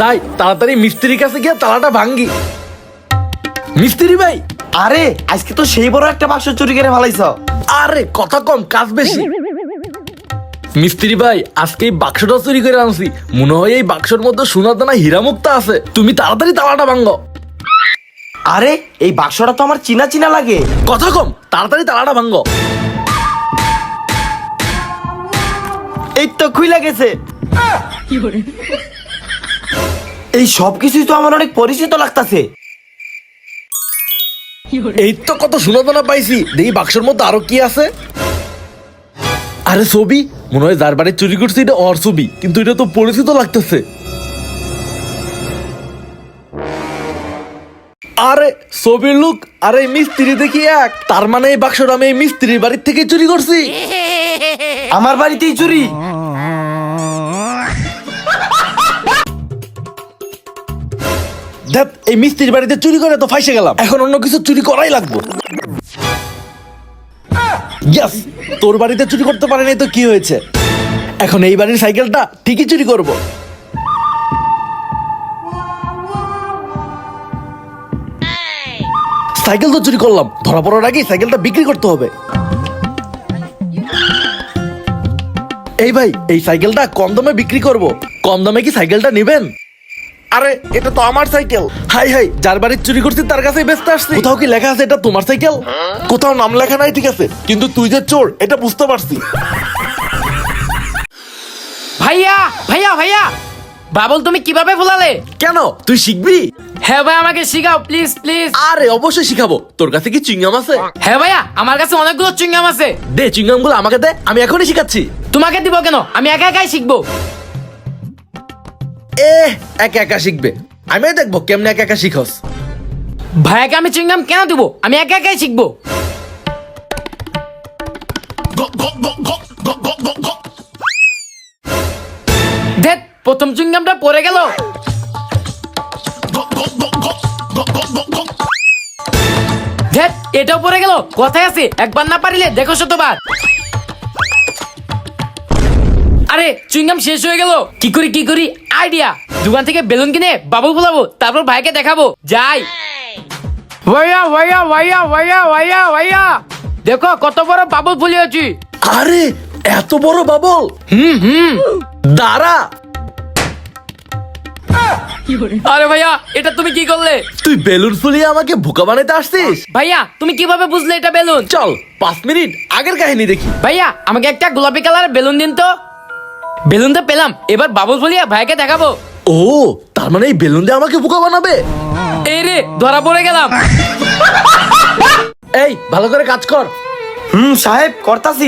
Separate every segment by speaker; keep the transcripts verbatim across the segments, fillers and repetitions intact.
Speaker 1: যাই তাড়াতাড়ি মিস্ত্রির কাছে গিয়ে তালাটা ভাঙ্গি। মিস্ত্রি ভাই,
Speaker 2: আরে আজকে তো সেই বড় একটা বাক্স চুরি করে ফেলাইছ।
Speaker 1: আরে কথা কম কাজ বেশি। মিস্ত্রি ভাই, আজকে এই বাক্সটা চুরি করে আনছি। মনে হয় এই বাক্সের মধ্যে সোনা দানা হীরা মুক্তা আছে। তুমি তাড়াতাড়ি তালাটা ভাঙ্গো।
Speaker 2: আরে এই বাক্সটা তো আমার চিনা চিনা লাগে।
Speaker 1: কথা কম, তাড়াতাড়ি তালাটা ভাঙ্গো।
Speaker 2: এই তো খুইলা গেছে। এই সব কিছুই তো আমার অনেক পরিচিত লাগতাছে।
Speaker 1: এই তো কত সোনা দানা পাইছি। দেখি বাক্সের মধ্যে আরো কি আছে। আরে ছবি, মনে হয় যার বাড়ি চুরি করছি এটা ওর ছবি, কিন্তু এটা তো পরিচিত লাগতেছে। আরে ছবির লুক, আরে মিস্ত্রি দেখি এক। তার মানে এই বাক্সটা আমি এই মিস্ত্রির বাড়ির থেকে চুরি করছি।
Speaker 2: আমার বাড়িতেই চুরি।
Speaker 1: দেখ, এই মিস্ত্রির বাড়িতে চুরি করে তো ফাইসে গেলাম। এখন অন্য কিছু চুরি করাই লাগবে। ইয়েস, তোর বাড়িতে চুরি করতে পারে নাই তো কি হয়েছে। এখন এই বাড়ির সাইকেলটা ঠিকই চুরি করব। সাইকেল তো চুরি করলাম, ধরা পড়ার আগে সাইকেলটা বিক্রি করতে হবে। এই ভাই, এই সাইকেলটা কম দামে বিক্রি করব। কম দামে কি সাইকেলটা নেবেন? আরে এটা তো আমার সাইকেল। হাই হাই, যার বাড়ি চুরি করছি তার কাছেই বেচতে আসছি। কোথাও কি লেখা আছে এটা তোমার সাইকেল? কোথাও নাম লেখা নাই, ঠিক আছে, কিন্তু তুই যে চোর এটা বুঝতে পারছি।
Speaker 3: ভাইয়া ভাইয়া ভাইয়া, বাবুল তুমি কিভাবে ভুলালে?
Speaker 1: কেন, তুই শিখবি?
Speaker 3: হ্যাঁ ভাই, আমাকে শিখাও প্লিজ প্লিজ।
Speaker 1: আরে অবশ্যই শিখাবো। তোর কাছে কি চুইংগাম আছে?
Speaker 3: হ্যাঁ ভাইয়া, আমার কাছে অনেকগুলো চুইংগাম আছে।
Speaker 1: দে চুইংগাম গুলো আমাকে দে, আমি এখনই শিখাচ্ছি।
Speaker 3: তোমাকে দিব কেন? আমি একা একাই শিখবো।
Speaker 1: এ একা একা শিখবে, আমি দেখবো কেমনে একা একা শিখস।
Speaker 3: ভাইয়াকে আমি চুইংগাম কেন দিব? আমি একা একাই শিখবো। দেখ, প্রথম চুইংগামটা পড়ে গেল। দেখ, এটাও পড়ে গেল। কথায় আছে, একবার না পারিলে দেখো শতবার। আরে চুইংগাম শেষ হয়ে গেল। কি করি কি করি, আইডিয়া। দোকান থেকে বেলুন কিনে বাবুল ফুলাবো, তারপর ভাইকে দেখাবো। যাই। ভাইয়া ভাইয়া ভাইয়া ভাইয়া ভাইয়া ভাইয়া, দেখো কত বড় বাবুল ফুলিয়েছি।
Speaker 1: আরে এত বড় বাবল?
Speaker 3: হুম হুম।
Speaker 1: দাঁড়া।
Speaker 3: আরে ভাইয়া, এটা তুমি কি করলে?
Speaker 1: তুই বেলুন ফুলিয়ে আমাকে বোকা বানাইতে আসছিস?
Speaker 3: ভাইয়া তুমি কিভাবে বুঝলে এটা বেলুন?
Speaker 1: চল পাঁচ মিনিট আগের কাহিনী দেখি।
Speaker 3: ভাইয়া আমাকে একটা গোলাপি কালারের বেলুন দিন তো। বেলুন তো পেলাম, এবার বাবুল ফুলিয়ে ভাইকে দেখাবো।
Speaker 1: ও, তার মানে এই বেলুন দিয়ে আমাকে বোকা বানাবে?
Speaker 3: এই রে, ধরা পড়ে গেলাম।
Speaker 1: এই ভালো করে কাজ কর।
Speaker 2: হুম সাহেব, করতাছি।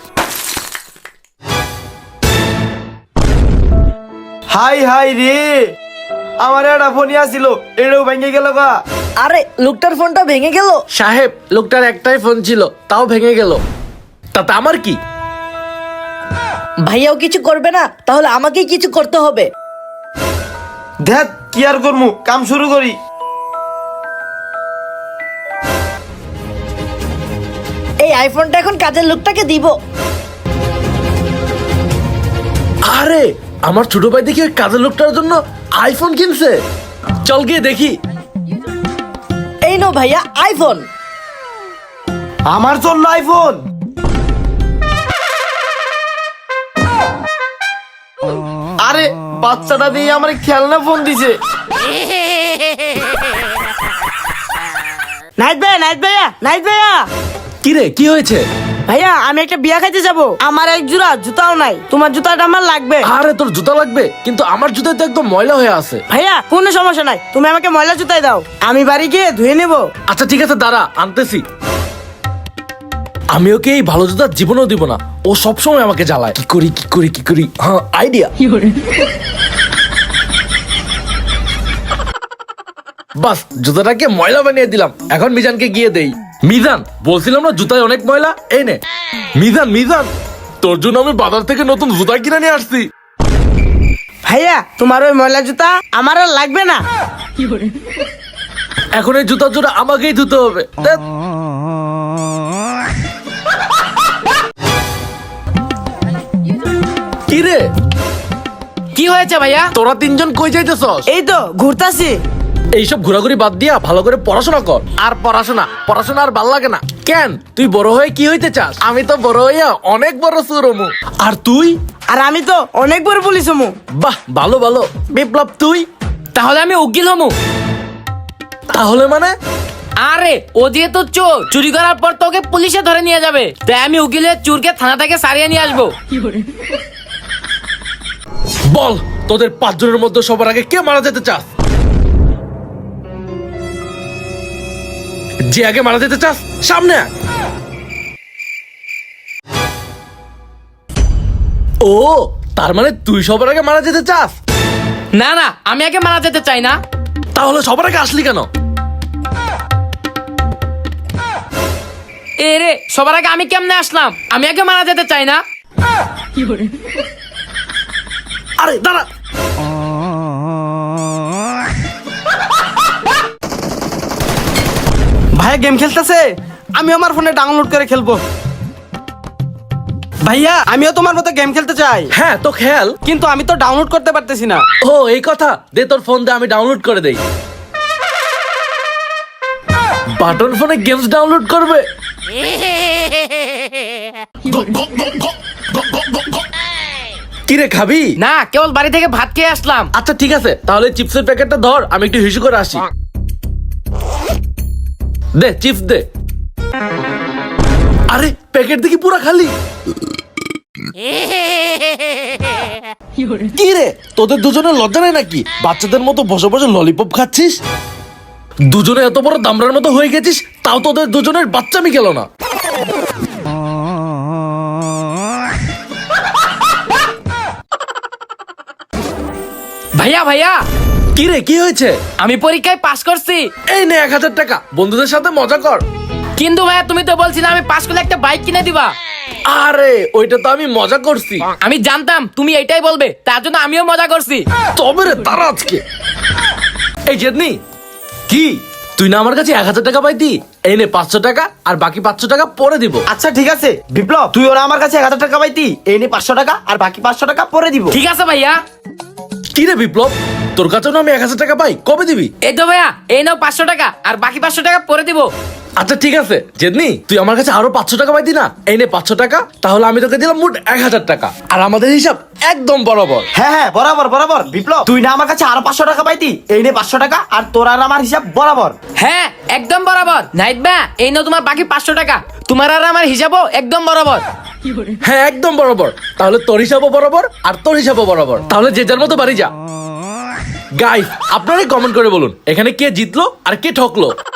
Speaker 2: হাই হাই রে, আমার একটা ফোনই আসছিল, এটাও ভেঙে গেল গা।
Speaker 4: আরে লোকটার ফোনটা ভেঙে গেল।
Speaker 1: সাহেব, লোকটার একটাই ফোন ছিল, তাও ভেঙে গেল। তাতে আমার কি?
Speaker 4: ভাইয়াও কিছু করবে না, তাহলে আমাকেই কিছু করতে হবে।
Speaker 2: দেখ কি আর করমু, কাম শুরু করি।
Speaker 4: এই আইফোনটা এখন কাজের লোকটাকে দিব।
Speaker 1: আরে আমার ছোট ভাই দেখি ওই কাজের লোকটার জন্য আইফোন কিনছে। চল গিয়ে দেখি।
Speaker 4: এই নো ভাইয়া আইফোন।
Speaker 2: আমার জন্য আইফোন? আরে বাচ্চাটা দিয়ে আমার খেলনা ফোন দিছে।
Speaker 5: নাইট ভাইয়া নাইট ভাইয়া নাইট ভাইয়া
Speaker 1: কি রে, কি হয়েছে?
Speaker 5: ভাইয়া আমি একটা বিয়া খাইতে যাব, আমার এক জোড়া জুতাও নাই, তোমার জুতাটা আমার লাগবে।
Speaker 1: আরে তোর জুতা লাগবে, কিন্তু আমার জুতা তো একদম ময়লা হয়ে আছে।
Speaker 5: ভাইয়া কোনো সমস্যা নাই, তুমি আমাকে ময়লা জুতাই দাও, আমি বাড়ি গিয়ে ধুয়ে নেব।
Speaker 1: আচ্ছা ঠিক আছে, দাঁড়া আনতেছি। আমি ওকে এই ভালো জুতা জীবনেও দিব না, ও সবসময় আমাকে জ্বালায়। কি করি কি করি কি করি, হ্যাঁ আইডিয়া। বাস, জুতাটাকে ময়লা বানিয়ে দিলাম। এখন মিজানকে গিয়ে দেই। মিজান, বলছিলাম না জুতায় অনেক ময়লা, এই নে। মিজান মিজান, তোর জন্য আমি বাজার থেকে নতুন জুতা কিনে নিয়ে আসছি।
Speaker 5: ভাইয়া তোমার ওই ময়লা জুতা আমার আর লাগবে না।
Speaker 1: এখন এই জুতার জন্য আমাকেই ধুতে হবে। ধ্যাৎ। কি রে,
Speaker 3: কি হয়েছে ভাইয়া?
Speaker 1: তোরা তিনজন কই যাইতেছস?
Speaker 5: এই তো ঘুরতাছি।
Speaker 1: এইসব ঘোরাঘুরি বাদ দিয়া ভালো করে পড়াশোনা কর। আর পড়াশোনা পড়াশোনা আর ভাল লাগে না কেন? তুই বড় হয়ে কি হইতে চাস? আমি তো বড় হইয়া অনেক বড় সুরমু। আর তুই?
Speaker 5: আর আমি তো অনেক বড় পুলিশ হমু।
Speaker 1: বাহ, ভালো ভালো। বিপ্লব তুই?
Speaker 3: তাহলে আমি উকিল হমু।
Speaker 1: তাহলে মানে?
Speaker 3: আরে ও যেহেতু চোর, চুরি করার পর তোকে পুলিশে ধরে নিয়ে যাবে, তাই আমি উকিলের চোরকে থানা থেকে সারিয়ে নিয়ে আসবো।
Speaker 1: বল, তোদের পাঁচজনের মধ্যে সবার আগে কে মারা যেতে চাস? যে আগে মারা যেতে চাস সামনে আয়। ও, তার মানে তুই সবার আগে মারা যেতে চাস?
Speaker 3: না না, আমি আগে মারা যেতে চাই না।
Speaker 1: তাহলে সবার আগে আসলি কেন?
Speaker 3: এ রে, সবার আগে আমি কেমনে আসলাম? আমি আগে মারা যেতে চাই না।
Speaker 1: আরে দাঁড়া।
Speaker 2: ভাইয়া গেম খেলতেছে, আমি আমার ফোনে ডাউনলোড করে খেলবো। ভাইয়া আমিও তোমার মতো গেম খেলতে চাই,
Speaker 1: হ্যাঁ তো খেল।
Speaker 2: কিন্তু আমি তো ডাউনলোড করতে পারতেছি না।
Speaker 1: ও এই কথা, দে তোর ফোন দে, আমি ডাউনলোড করে দেই। বাটন ফোনে গেমস ডাউনলোড করবে? কি রে, খাবি?
Speaker 3: না, কেবল বাড়ি থেকে ভাত খেয়ে আসলাম।
Speaker 1: আচ্ছা ঠিক আছে, তাহলে চিপসের প্যাকেটটা ধর, আমি একটু হিসু করে আসি। দে চিপস দে। আরে প্যাকেট দেখি পুরা খালি। কি রে, তোদের দুজনের লজ্জা নেই নাকি? বাচ্চাদের মতো বসে বসে ললিপপ খাচ্ছিস। দুজনে এত বড় দামড়ার মতো হয়ে গেছিস, তাও তোদের দুজনের বাচ্চামি গেল না।
Speaker 3: ভাইয়া ভাইয়া,
Speaker 1: কি রে, কি হয়েছে?
Speaker 3: আমি পরীক্ষায় পাশ করছি।
Speaker 1: এই নে এক হাজার টাকা, বন্ধুদের সাথে মজা কর।
Speaker 3: কিন্তু ভাইয়া, তুমি তো বলছিলে আমি পাশ করলে একটা বাইক কিনে দিবা।
Speaker 1: আরে ওইটা তো আমি মজা করছি।
Speaker 3: আমি জানতাম তুমি এইটাই বলবে, তার জন্য আমিও মজা করছি।
Speaker 1: তবে রে তারা আজকে। এই জেদনি, কি তুই না আমার কাছে এক হাজার টাকা পাইতি? এই নে পাঁচশো টাকা, আর বাকি পাঁচশো টাকা পরে দিব।
Speaker 2: আচ্ছা ঠিক আছে বিপ্লব, তুই ওরা আমার কাছে এক হাজার টাকা পাইতি, এই নে পাঁচশো টাকা আর বাকি পাঁচশো টাকা পরে দিব।
Speaker 3: ঠিক আছে ভাইয়া।
Speaker 1: কি রে বিপ্লব, তোর কাছেও না আমি এক হাজার টাকা পাই, কবে দিবি?
Speaker 3: এই তো ভাইয়া, এই নাও পাঁচশো টাকা, আর বাকি পাঁচশো টাকা পরে দিব।
Speaker 1: আচ্ছা ঠিক আছে জেদনি, তুই আমার কাছে আরো পাঁচশো টাকা পাইতি না? এই নে পাঁচশো টাকা, তাহলে আমি তোকে দিলাম মোট এক হাজার টাকা, আর আমাদের হিসাব একদম বরাবর।
Speaker 2: হ্যাঁ হ্যাঁ বরাবর বরাবর। বিপ্লব তুই না আমার কাছে আরো পাঁচশো টাকা পাইতি, এই নে পাঁচশো টাকা, আর তোর আর আমার হিসাব বরাবর।
Speaker 3: হ্যাঁ একদম বরাবর। নাইট ভাইয়া, এই নাও তোমার বাকি পাঁচশো টাকা, তোমার আর আমার হিসাবও একদম বরাবর।
Speaker 1: হ্যাঁ একদম বরাবর। তাহলে তোর হিসাবও বরাবর আর তোর হিসাবও বরাবর। তাহলে যে যার মতো বাড়ি যা। গাইস, আপনারাই কমেন্ট করে বলুন এখানে কে জিতলো আর কে ঠকলো।